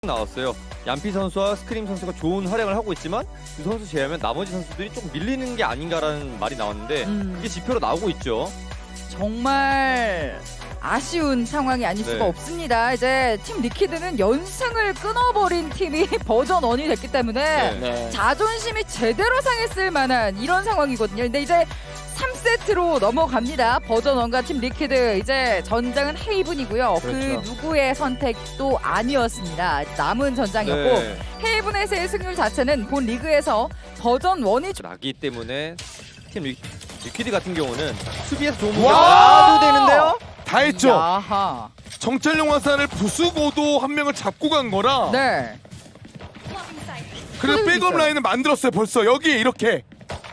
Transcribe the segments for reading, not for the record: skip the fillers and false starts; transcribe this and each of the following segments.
나왔어요. 얀피 선수와 스크림 선수가 좋은 활약을 하고 있지만 두 선수 제외하면 나머지 선수들이 좀 밀리는 게 아닌가라는 말이 나왔는데 이게 지표로 나오고 있죠. 정말 아쉬운 상황이 아닐 수가 네. 없습니다. 이제 팀 리퀴드는 연승을 끊어버린 팀이 버전 1이 됐기 때문에 네. 자존심이 제대로 상했을 만한 이런 상황이거든요. 근데 이제 3세트로 넘어갑니다. 버전 1과 팀 리퀴드. 이제 전장은 헤이븐이고요. 그 그렇죠. 누구의 선택도 아니었습니다. 남은 전장이었고 네. 헤이븐에서의 승률 자체는 본 리그에서 버전 1이 나기 때문에 팀 리퀴드 같은 경우는 수비에서 좋은 공격 와! 나도 되는데요. 다 했죠. 야하. 정찰용 화살을 부수고도 한 명을 잡고 간 거라. 네. 그리고 있어요. 백업 라인을 만들었어요. 벌써 여기에 이렇게.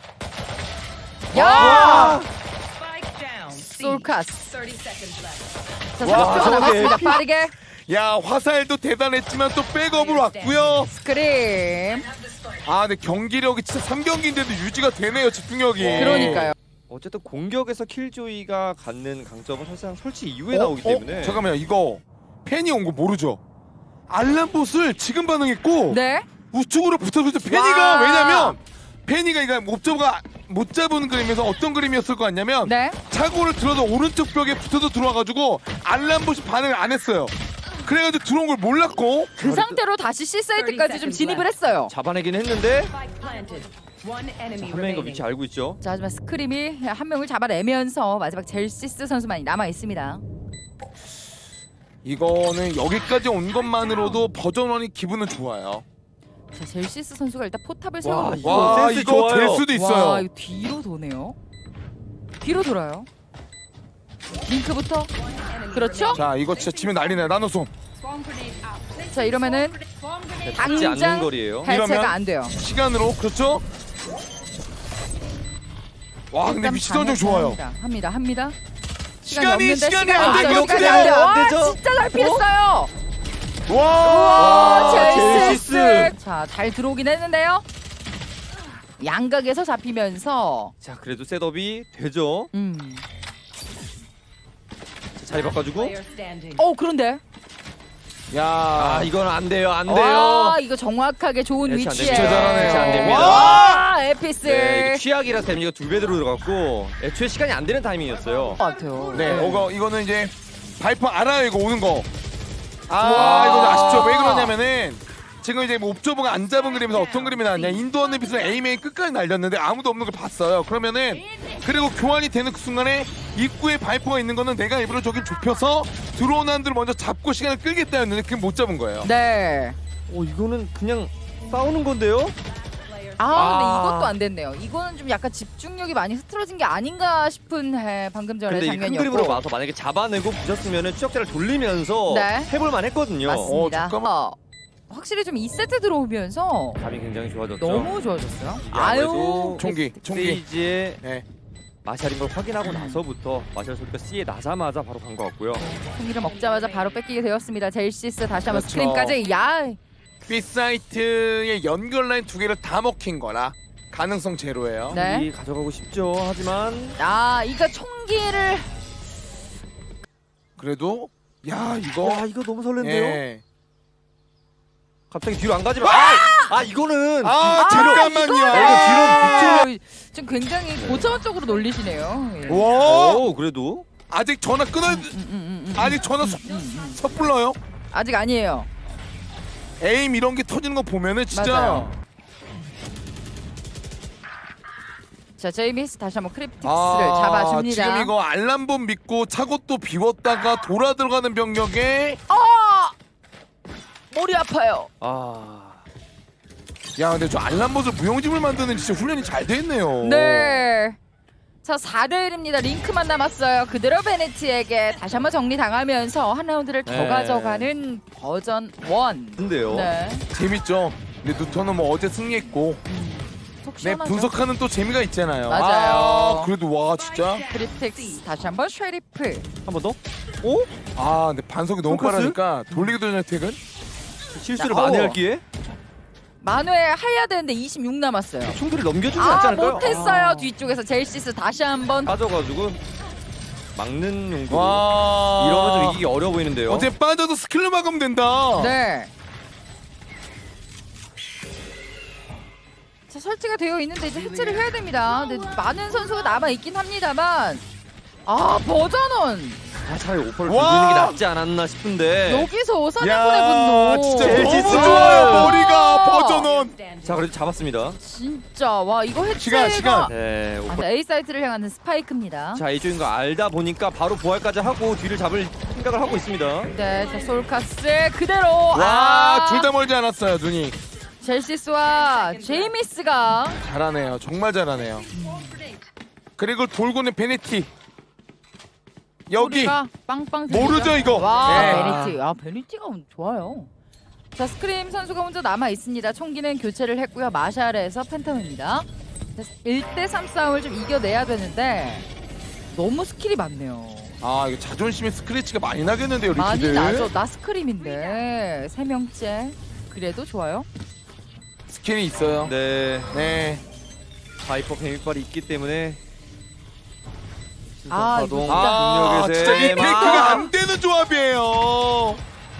야! Spike down. C. 솔카스. 30 seconds left. 자, 와, 30초 저게 남았습니다. 빠르게 야, 화살도 대단했지만 또 백업으로 왔고요. 스크림. 아, 근데 경기력이 진짜 3경기인데도 유지가 되네요. 집중력이. 그러니까요. 어쨌든 공격에서 킬조이가 갖는 강점은 사실상 설치 이후에 나오기 때문에 잠깐만요. 이거 팬이 온 거 모르죠? 알람봇을 지금 반응했고 네. 우측으로 붙어서 페니가 와. 왜냐면 페니가 이거 옵저버가 못 잡은 그림에서 어떤 그림이었을 것 같냐면 네. 차고를 들어서 오른쪽 벽에 붙어서 들어와가지고 알람봇이 반응을 안 했어요. 그래가지고 들어온 걸 몰랐고 그 상태로 다시 C 사이트까지 좀 진입을 했어요. 잡아내긴 했는데 Spike planted. One enemy 한 명인 거 remaining. 위치 알고 있죠. 자, 하지만 스크림이 한 명을 잡아내면서 마지막 젤시스 선수만이 남아 있습니다. 이거는 여기까지 온 것만으로도 버전 1이 기분은 좋아요. 자, 젤시스 선수가 일단 포탑을 와, 세우고 이거 와 센스 이거 좋아요. 될 수도 있어요. 와, 이거 뒤로 도네요. 뒤로 돌아요. 링크부터. 그렇죠? 자 이거 진짜 치면 난리네. 나노솜. 자, 이러면은 닿지 않는 당장 거리예요. 해체가 이러면 안 돼요. 시간으로 그렇죠? 와 근데 일단 위치 선정 좋아요. 합니다. 시간이 없는데 안 없어요. 되게 시간이 없어요. 안 돼요. 안 와, 되죠? 진짜 잘 피했어요. 와. 젤시스. 젤시스. 자, 잘 들어오긴 했는데요. 양각에서 잡히면서 자, 그래도 셋업이 되죠. 자, 자리 바꿔주고. Player standing. 그런데 야. 아, 이건 안 돼요. 안 돼요. 와, 이거 정확하게 좋은 대체 안 위치에 됩니다. 진짜 잘하네요. 대체 안 됩니다. 와, 에피스. 네, 이게 취약이라 데미지가 2배 들어갔고 애초에 시간이 안 되는 타이밍이었어요. 같아요. 네, 이거는 이제 바이퍼 알아요 이거 오는 거. 아 와. 이거 아쉽죠. 왜 그러냐면은 지금 이제 뭐 옵저버가 안 잡은 그림에서 어떤 그림이 나왔냐. 인도어는 빛을 에이메인 끝까지 날렸는데 아무도 없는 걸 봤어요. 그러면은 그리고 교환이 되는 그 순간에 입구에 바이퍼가 있는 거는 내가 일부러 저기 좁혀서 들어오는 한들을 먼저 잡고 시간을 끌겠다 했는데 그게 못 잡은 거예요. 네. 이거는 그냥 싸우는 건데요? 근데 아. 이것도 안 됐네요. 이거는 좀 약간 집중력이 많이 흐트러진 게 아닌가 싶은 방금 전의 근데 이 큰 장면이었고. 그림으로 와서 만약에 잡아내고 부셨으면 추적자를 돌리면서 네. 해볼만 했거든요. 맞습니다. 잠깐만. 확실히 좀 2세트 들어오면서 감이 굉장히 좋아졌죠. 너무 좋아졌어요. 이게 아유. 아무래도 총기. 스테이지에 네. 마샬인 걸 확인하고 나서부터 마샬 선수가 C에 나자마자 바로 간 것 같고요. 승리를 먹자마자 바로 뺏기게 되었습니다. 젤시스 다시 한번 그렇죠. 스크림까지. 야. B 사이트의 연결 라인 두 개를 다 먹힌 거라 가능성 제로예요. 네. 이 가져가고 싶죠. 하지만 이거 총기를 그래도 야 이거 와, 이거 너무 설렌데요. 예. 갑자기 뒤로 안 가지만 이거는 잠깐만요. 지금 굉장히 고차원적으로 놀리시네요. 예. 와 그래도 아직 전화 끊어야 아직 전화 섣불러요. 아직 아니에요. 에임 이런 게 터지는 거 보면은 진짜 맞아요. 자, 제이미스 다시 한번 크립틱스를 잡아줍니다. 지금 이거 알람봇 믿고 차고 또 비웠다가 돌아 들어가는 병력에 머리 아파요. 야 근데 저 알람봇을 무용지물 만드는 진짜 훈련이 잘 돼 있네요. 네. 자, 4대1입니다. 링크만 남았어요. 그대로 베네티에게 다시 한번 정리당하면서 한 라운드를 더 네. 가져가는 버전 1. 근데요. 네. 재밌죠. 근데 누터는 뭐 어제 승리했고 속 네 시원하죠. 분석하는 또 재미가 있잖아요. 맞아요. 그래도 와 진짜 크립틱스 다시 한번 쉐리프. 한 번 더? 근데 반속이 너무 포커스? 빠르니까 돌리기도 전에 퇴근. 실수를 자, 많이 어. 할 기에 만회 해야 되는데 26 남았어요. 총들을 넘겨주지 않지 않을까요? 못했어요. 뒤쪽에서 젤시스 다시 한번. 빠져가지고 막는 용도. 와 이러면 좀 이기기 어려워 보이는데요. 어제 빠져도 스킬로 막으면 된다. 네. 설치가 되어 있는데 이제 해체를 해야 됩니다. 근데 많은 선수가 남아 있긴 합니다만 아 버전원 차라리 오퍼를 와! 돌리는 게 낫지 않았나 싶은데. 여기서 사냥꾼의 야, 분노. 진짜 젤시 너무 스. 좋아요. 머리가 버전원. 자, 그래도 잡았습니다. 진짜 와 이거 해체가 시간. 네, 오퍼. A 사이트를 향하는 스파이크입니다. 자, 이쪽인 거 알다 보니까 바로 부활까지 하고 뒤를 잡을 생각을 하고 있습니다. 네, 자 솔카스 그대로 와, 둘 다 멀지 않았어요, 눈이. 젤시스와 제이미스가 잘하네요. 정말 잘하네요. 그리고 돌고는 베네티. 여기 소리가 빵빵 모르죠, 들리죠? 이거. 와 네. 베니티 베니티가 좋아요. 자 스크림 선수가 먼저 남아 있습니다. 총기는 교체를 했고요. 마샬에서 팬텀입니다. 1대3 싸움을 좀 이겨내야 되는데 너무 스킬이 많네요. 아, 이거 자존심에 스크래치가 많이 나겠는데요, 많이 리키드. 나죠. 나 스크림인데 3명째 그래도 좋아요. 스킬이 있어요. 네, 네. 바이퍼 뱀이빨이 있기 때문에. 아, 파동, 이거 아, 중력의 진짜 셈. 리테이크가 안 되는 조합이에요.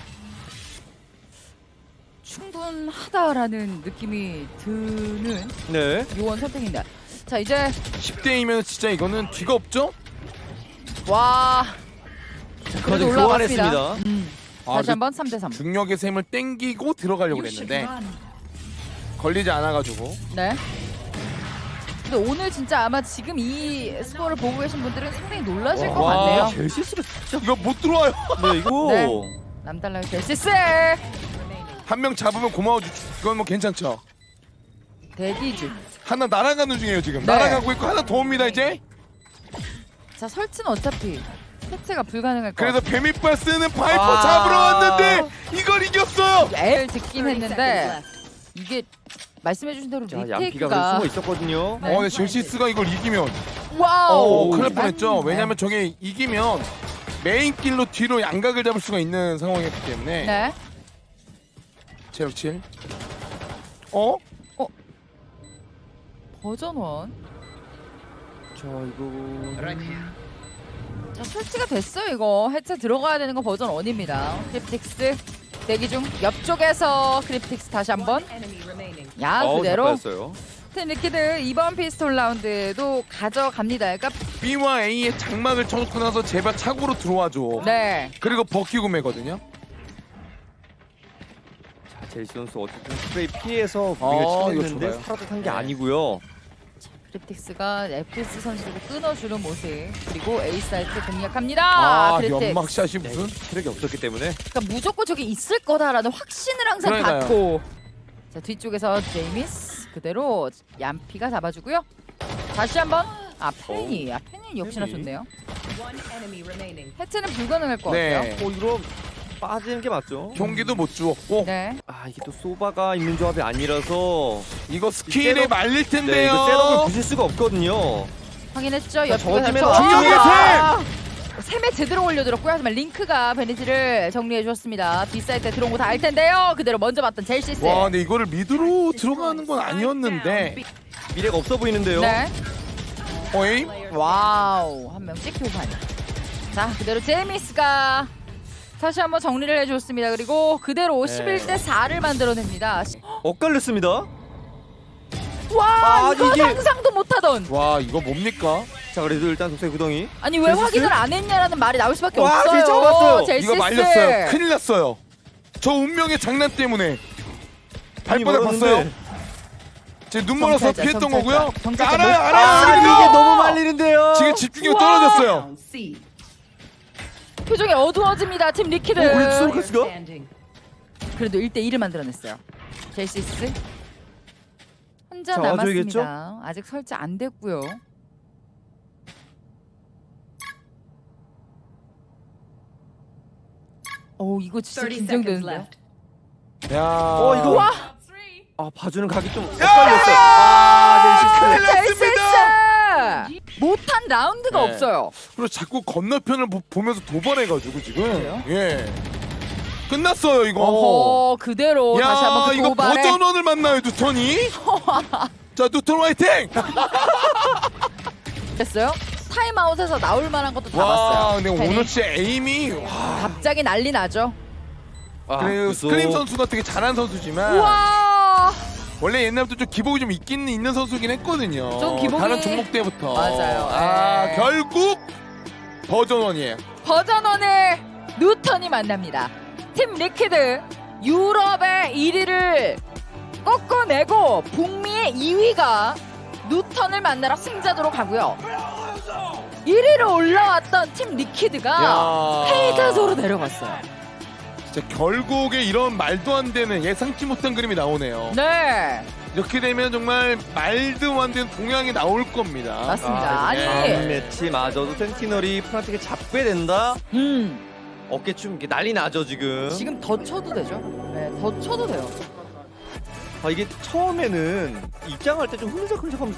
충분하다라는 느낌이 드는 네. 요원 선택입니다. 자 이제 10대이면 진짜 이거는 뒤가 없죠? 와 그거 좀 올라갔습니다. 교환했습니다. 다시 한번 3대3. 중력의 셈을 땡기고 들어가려고 그랬는데 걸리지 않아가지고. 네. 근데 오늘 진짜 아마 지금 이 스코어를 보고 계신 분들은 상당히 놀라실 것 와, 같네요. 젤시스가 진짜. 이거 못 들어와요. 네, 이거. 네. 남달라요 젤시스 한 명 잡으면 고마워. 이건 뭐 괜찮죠? 대기 중. 하나 날아가는 중이에요 지금. 네. 날아가고 있고 하나 더 옵니다 이제. 자 설치는 어차피 해체가 불가능할 것 그래서 같아요. 뱀이빨 쓰는 파이퍼 아. 잡으러 왔는데 이걸 이겼어요. 애를 듣긴 했는데 이게 말씀해주신 대로 자, 얌피가 리테이크가 숨어 있었거든요. 네. 근데 젤시스가 이걸 이기면 와우 큰일 날 뻔했죠. 네. 왜냐면 저게 이기면 메인 길로 뒤로 양각을 잡을 수가 있는 상황이었기 때문에. 네. 체력 7. 어? 버전 1. 자, 이거. 자 설치가 됐어요 이거. 해체 들어가야 되는 거 버전 1입니다. 크립틱스 대기 중. 옆쪽에서 크립틱스 다시 한번. Enemy remaining. 야 어우, 잘 그대로 빠졌어요. 팀 리퀴드 이번 피스톨 라운드도 가져갑니다. 그러니까 B와 A의 장막을 쳐놓고 나서 제발 차고로 들어와줘. 네. 그리고 버키고 매거든요. 자, 젤시 선수 어쨌든 스프레이 피해서 아, 무리를 이거 치렀는데 좋아요. 살아tat한 게 네. 아니고요. 크립틱스가 FS 선수를 끊어주는 모습. 그리고 A 사이트 공략합니다. 아, 크립틱스. 연막샷이 무슨? 체력이 없었기 때문에. 그러니까 무조건 저기 있을 거다라는 확신을 항상 그러니까요. 갖고. 자 뒤쪽에서 제이미스 그대로 얌피가 잡아주고요. 다시 한번 팬이 팬이 역시나 팬이. 좋네요. One enemy remaining. 해체는 불가능할 것 네. 같아요. 이거 빠지는 게 맞죠? 경기도 못 주었고 네. 아, 이게 또 소바가 있는 조합이 아니라서. 이거 스킬에 셋업- 말릴 네, 텐데요. 이거 셋업을 부실 수가 없거든요. 확인했죠. 자, 저 옆쪽에서 팀의 중력의 샘에 제대로 올려들었고요. 하지만 링크가 베니지를 정리해 주었습니다. 뒷사이드에 들어온 거 다 알 텐데요. 그대로 먼저 봤던 젤시스. 와, 근데 이거를 미드로 들어가는 건 아니었는데. 미래가 없어 보이는데요. 네. 어이? 와우. 한 명씩 교환. 자, 그대로 제이미스가 다시 한번 정리를 해줬습니다. 그리고 그대로 네. 11대 4를 만들어냅니다. 엇갈렸습니다. 와, 아, 이거 이게- 상상도 못하던. 와, 이거 뭡니까? 자, 그래도 일단 독색 구덩이. 아니 왜 젤시스? 확인을 안 했냐라는 말이 나올 수밖에 와, 없어요. 진짜 잡았어요. 젤시스. 이거 말렸어요. 큰일 났어요. 저 운명의 장난 때문에. 발바닥 봤어요. 제 눈 멀어서 정찰자, 피했던 정찰자. 거고요. 정찰자 알아요, 못 알아요. 봤어요. 알아요. 이게 너무 말리는데요. 지금 집중력 우와. 떨어졌어요. Down C. 표정이 어두워집니다. 팀 리퀴드. 우리 솔카스가? Standing. 그래도 1대 1을 만들어냈어요. 젤시스 혼자 자, 남았습니다. 와줘야겠죠? 아직 설치 안 됐고요. 오 이거 진짜 30 seconds 긴장되는데요. left. 야. 이거 와 아, 봐주는 각이 좀 엇갈렸어요. 아, 큰일 젤시스. 났습니다. 젤시스 못한 라운드가 네. 없어요. 그리고 자꾸 건너편을 보면서 도발해가지고 지금. 그래요? 예. 끝났어요 이거. 어허 그대로 다시 야, 한번 그 이거 도발에 버전원을 만나요 뉴턴이. 자, 뉴턴 화이팅! 됐어요. 타임아웃에서 나올 만한 것도 다 와, 봤어요. 근데 팬이. 오늘 진짜 에임이 와. 갑자기 난리 나죠. 아, 그리고 그래도 스크림 선수가 되게 잘한 선수지만 우와 원래 옛날부터 좀 기복이 좀 있는 선수긴 했거든요. 좀 기복이- 다른 종목 때부터. 맞아요. 아 네. 결국 버전 1이에요. 버전원의 누턴이 만납니다. 팀 리퀴드 유럽의 1위를 꺾어내고 북미의 2위가 누턴을 만나러 승자도로 가고요. 1위로 올라왔던 팀 리퀴드가 야. 패자조로 내려갔어요. 진짜 결국에 이런 말도 안 되는 예상치 못한 그림이 나오네요. 네, 이렇게 되면 정말 말도 안 되는 동향이 나올 겁니다. 맞습니다. 아니, 네. 매치마저도 센티널이 프란틱을 잡게 된다. 어깨춤 이게 난리 나죠 지금. 지금 더 쳐도 되죠? 네, 더 쳐도 돼요. 이게 처음에는 입장할 때 좀 흐느적흐느적하면서